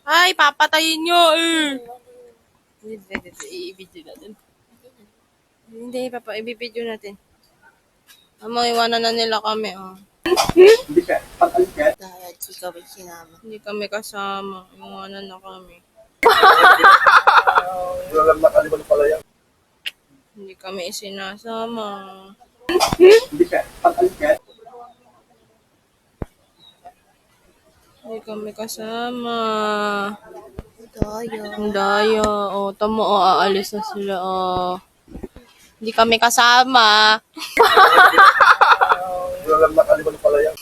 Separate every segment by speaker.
Speaker 1: Ay, papatayin nyo eh. Hindi, i-video natin. Hindi, i-video natin. Iwanan na nila kami, oh. Dahil di kami sinama. Hindi kami kasama. Iwanan na kami.
Speaker 2: Alam na kaliban pala yan.
Speaker 1: Hindi kami isinasama.
Speaker 2: Hindi ka, pag-alis ka.
Speaker 1: Hindi kami kasama.
Speaker 3: Daya.
Speaker 1: Ang daya. O, tamo, o, aalis na sila, o. Hindi kami kasama.
Speaker 2: Alam na kaliban pala yan.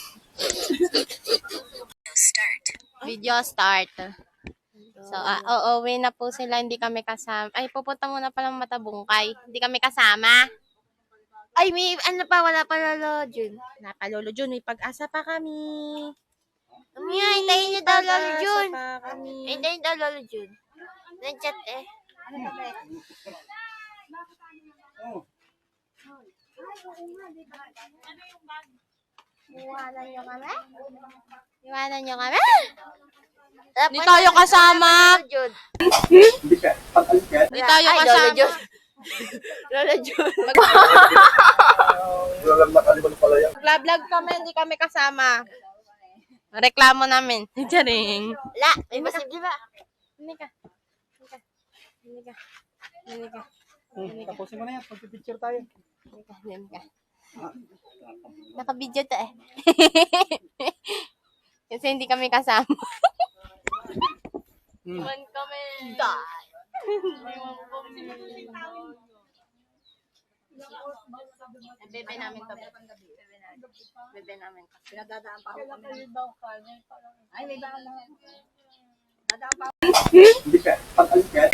Speaker 1: Video start. So, uuwi na po sila. Hindi kami kasama. Ay, pupunta muna palang Matabungkay. Hindi kami kasama. Ay, may, ano pa, wala pa Lolo Jun. Wala pa Lolo Jun. May pag-asa pa kami.
Speaker 3: Umiya, hintayin niyo daw Lolo Jun.
Speaker 1: Pa kami.
Speaker 3: Hintayin daw Lolo Jun. Nag-chat eh. Iwanan niyo kami?
Speaker 1: Iwanan nyo kami.
Speaker 3: Dapat
Speaker 1: Hindi tayo kasama.
Speaker 3: Lolo Jun.
Speaker 2: Hindi ka, pag-alis ka.
Speaker 1: Hindi tayo
Speaker 3: Ay, Lolo
Speaker 1: kasama.
Speaker 3: Jun. Lolo Jun.
Speaker 2: Alam na kaliban pala yan.
Speaker 1: Mag-vlog kami, hindi kami kasama. Reklamo namin. Charing.
Speaker 3: Wala, may posible ba?
Speaker 1: Hindi ka. Hindi ka. Hindi ka. Hindi ka.
Speaker 2: Tapusin mo na yan, pag-picture tayo.
Speaker 1: Hindi ka. Hindi ka. Naka-video to eh. Kasi hindi kami kasama. Iwan kami. Iwan kami. Bebe namin to. Bebe namin to.
Speaker 3: Pinagdadaan pa ako kami. Ay, may baka na.
Speaker 2: Hindi ka, pag-alis ka.